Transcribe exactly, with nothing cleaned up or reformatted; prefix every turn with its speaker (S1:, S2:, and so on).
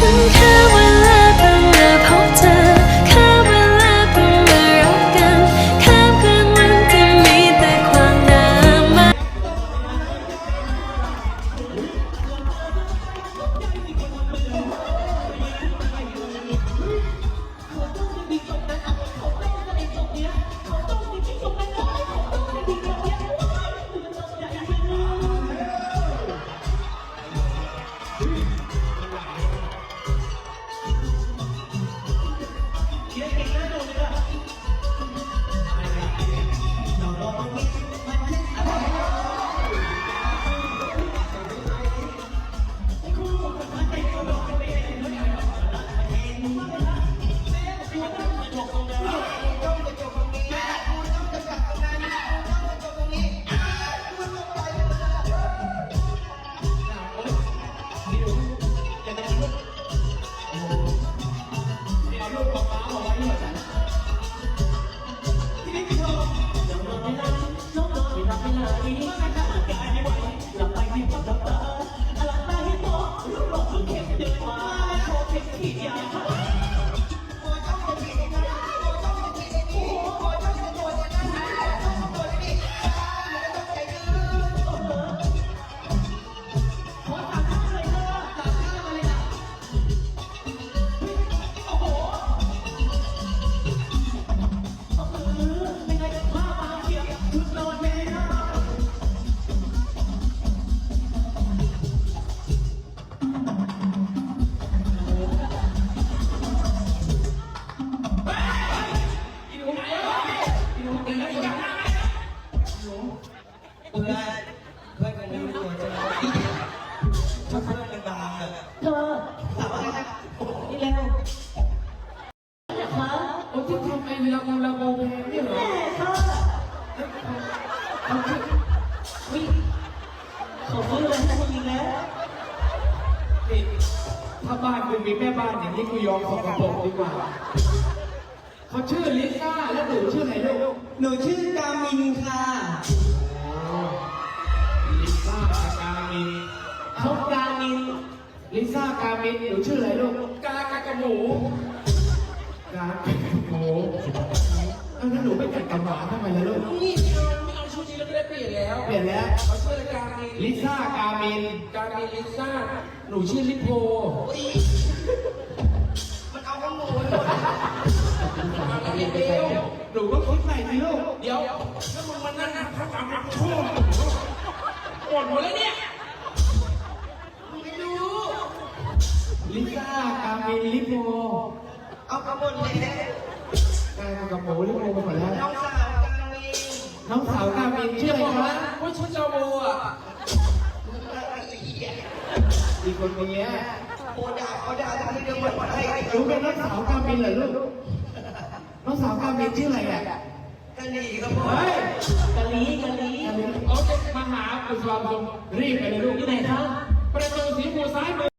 S1: แค่เวลาต้องมาพบเธอแค่เวลาต้องมารักกันข้ามคืนวันที่มีแต่ความดราม่า
S2: ถ้าบ้านคุณมีแม่บ้านอย่างนี้กูยอมสกปรกดีกว่าเขาชื่อลิซ่าแล้วหนูชื่ออะไรลูก
S3: หนูชื่อกามินค่ะ
S2: ลิซ่ากามินเขากามินลิซ่ากามินหนูชื่ออะไรลูกกากากะหมูกากากะหมูเอ้าแล้วหนูไม่แต่งกับหมาทำไมล่ะลูก
S4: นี่ไม่เอาชุดนี้แล้วก็ได้เปลี่ยนแล้ว
S2: เปลี่ยนแล้ว
S4: เขาชื่อกามิน
S2: ลิซ่ากามิน
S4: กามินลิซ่า
S2: หนูชื่อลิโพ
S4: มันเอาข้อมูลหมดเอาเดียว
S2: หนูก็คิดใหม่สิลูก
S4: เดี๋ยวถ้ามึงมานั่งพักกำลังชั่วปวดหมดแล้วเนี่ยมึงไม่รู้
S2: ลิซ่ากามินลิโพ
S3: เอากระหมดเลย
S2: กากับหมูลิโพกันหมดแล้ว
S3: น้องสาวกามิน
S2: น้องสาวกามินชื่ออะไรคะ
S4: ว่าชุดเจ้าโบอ่ะ
S2: อีกคนนี้
S3: โอดาโอดาทำให้เรื่องหมดให้
S2: รู้เป็นน้องสาวกามินเหรอลูกน้องสาวกามินชื่ออะไรอ่ะ
S3: กะหรี่ครับผม
S2: กะลีกะลีโอเคมาหาอุศวรรณรีบไปเลยลูกที่ไหนครับประตูสีมูซ้ายมือ